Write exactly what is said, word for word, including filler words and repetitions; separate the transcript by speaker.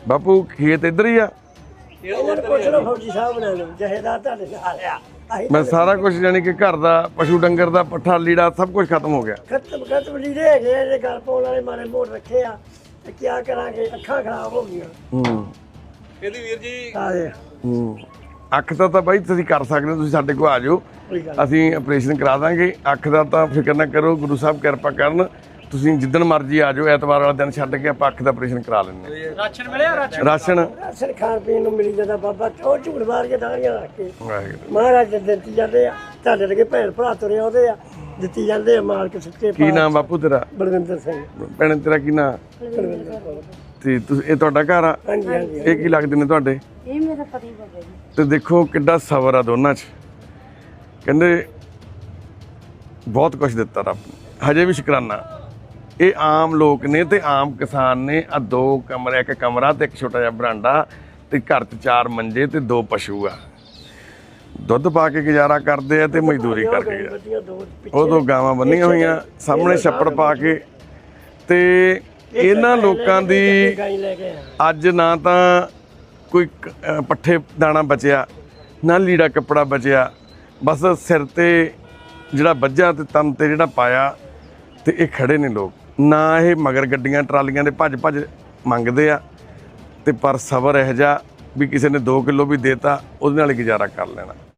Speaker 1: ਬਾਪੂ ਖੇਤ ਇੱਧਰ ਹੀ ਆ? ਮੈਂ ਸਾਰਾ ਕੁਝ ਜਾਨੀ ਕਿ ਘਰ ਦਾ ਪਸ਼ੂ ਡੰਗਰ ਦਾ ਪੱਠਾ ਲੀੜਾ ਸਭ ਕੁਝ ਖਤਮ ਹੋ ਗਿਆ।
Speaker 2: ਖਤਮ ਖਤਮ ਲੀੜੇ ਹੈਗੇ ਇਹਦੇ ਘਰ ਪਾਉਣ ਵਾਲੇ ਮਾਰੇ ਮੋੜ ਰੱਖੇ ਆ ਤੇ ਕੀ ਕਰਾਂਗੇ, ਅੱਖਾਂ ਖਰਾਬ ਹੋ ਗਈਆਂ।
Speaker 1: ਹੂੰ
Speaker 3: ਇਹਦੀ ਵੀਰ ਜੀ
Speaker 2: ਆਏ
Speaker 1: ਹੂੰ ਅੱਖ ਦਾ ਤਾਂ ਬਾਈ ਤੁਸੀਂ ਕਰ ਸਕਦੇ ਹੋ, ਤੁਸੀਂ ਸਾਡੇ ਕੋਲ ਆ ਜਾਓ, ਅਸੀਂ ਆਪਰੇਸ਼ਨ ਕਰਾ ਦਾਂਗੇ। ਅੱਖ ਦਾ ਤਾਂ ਫਿਕਰ ਨਾ ਕਰੋ, ਗੁਰੂ ਸਾਹਿਬ ਕਿਰਪਾ ਕਰਨ। ਤੁਸੀਂ ਜਿੱਦਣ ਮਰਜ਼ੀ ਆ ਜਾਓ, ਐਤਵਾਰ ਵਾਲਾ ਦਿਨ ਛੱਡ ਕੇ ਆਪਾਂ ਅੱਖ ਦਾ ਆਪਰੇਸ਼ਨ ਕਰਾ ਲੈਂਦੇ ਹਾਂ।
Speaker 3: ਰਾਸ਼ਨ ਮਿਲਿਆ? ਰਾਸ਼ਨ
Speaker 1: ਰਾਸ਼ਨ
Speaker 2: ਰਾਸ਼ਨ ਖਾਣ ਪੀਣ ਨੂੰ ਮਿਲੀ ਜਾਂਦਾ ਬਾਬਾ, ਉਹ ਝੂੜ ਮਾਰ ਕੇ ਦਾੜੀਆਂ ਰੱਖ ਕੇ
Speaker 1: ਵਾਹਿਗੁਰੂ।
Speaker 2: ਮਹਾਰਾਜ ਦੇ ਦਿੱਤੀ ਜਾਂਦੇ ਆ, ਤੁਹਾਡੇ ਲਗੇ ਭੈਣ ਭਰਾ ਤੁਰੇ ਆਉਂਦੇ ਆ, ਦਿੱਤੀ ਜਾਂਦੇ ਆ ਮਾਲਕ ਸੱਚੇ।
Speaker 1: ਕੀ ਨਾਮ ਬਾਪੂ ਤੇਰਾ?
Speaker 2: ਬਲਵਿੰਦਰ ਸਿੰਘ।
Speaker 1: ਭੈਣ ਤੇਰਾ ਕੀ ਨਾਮ?
Speaker 2: ਬਲਵਿੰਦਰ ਕੌਰ।
Speaker 1: ਤੇ ਤੁਸੀਂ ਇਹ ਤੁਹਾਡਾ ਘਰ ਆ?
Speaker 2: ਹਾਂਜੀ ਹਾਂਜੀ।
Speaker 1: ਇਹ ਕੀ ਲੱਗਦੇ ਨੇ ਤੁਹਾਡੇ?
Speaker 4: ਇਹ ਮੇਰਾ ਪਤੀ ਬਾਬਾ ਜੀ।
Speaker 1: ਤੇ ਦੇਖੋ ਕਿੱਡਾ ਸਬਰ ਆ ਦੋਨਾਂ 'ਚ। ਕਹਿੰਦੇ ਬਹੁਤ ਕੁਝ ਦਿੱਤਾ ਰੱਬ ਨੇ, ਹਜੇ ਵੀ ਸ਼ੁਕਰਾਨਾ। ਇਹ ਆਮ ਲੋਕ ਨੇ ਤੇ ਆਮ ਕਿਸਾਨ ਨੇ। ਆ ਦੋ ਕਮਰੇ, ਇੱਕ ਕਮਰਾ ਤੇ ਇੱਕ ਛੋਟਾ ਜਿਹਾ ਬਰਾਂਡਾ ਤੇ ਘਰ 'ਚ ਚਾਰ ਮੰਜੇ ਤੇ ਦੋ ਪਸ਼ੂ ਆ। ਦੁੱਧ ਪਾ ਕੇ ਗੁਜ਼ਾਰਾ ਕਰਦੇ ਆ ਤੇ ਮਜ਼ਦੂਰੀ ਕਰਕੇ। ਉਹ ਦੋ ਗਾਵਾਂ ਬੰਨੀਆਂ ਹੋਈਆਂ, ਸਾਹਮਣੇ ਛੱਪੜ ਪਾ ਕੇ। ਤੇ ਇਹਨਾਂ ਲੋਕਾਂ ਦੀ ਅੱਜ ਨਾ ਤਾਂ ਕੋਈ ਪੱਠੇ ਦਾਣਾ ਬਚਿਆ, ਨਾ ਲੀੜਾ ਕੱਪੜਾ ਬਚਿਆ, ਬਸ ਸਿਰ ਤੇ ਜਿਹੜਾ ਵੱਜਾ ਤੇ ਤਨ ਤੇ ਜਿਹੜਾ ਪਾਇਆ। ਤੇ ਇਹ ਖੜੇ ਨੇ ਲੋਕ, ਨਾ ਇਹ ਮਗਰ ਗੱਡੀਆਂ ਟਰਾਲੀਆਂ ਦੇ ਭੱਜ ਭੱਜ ਮੰਗਦੇ ਆ, ਤੇ ਪਰ ਸਬਰ ਇਹੋ ਜਿਹਾ ਵੀ ਕਿਸੇ ਨੇ ਦੋ ਕਿਲੋ ਵੀ ਦੇਤਾ ਉਹਦੇ ਨਾਲ ਹੀ ਗੁਜ਼ਾਰਾ ਕਰ ਲੈਣਾ।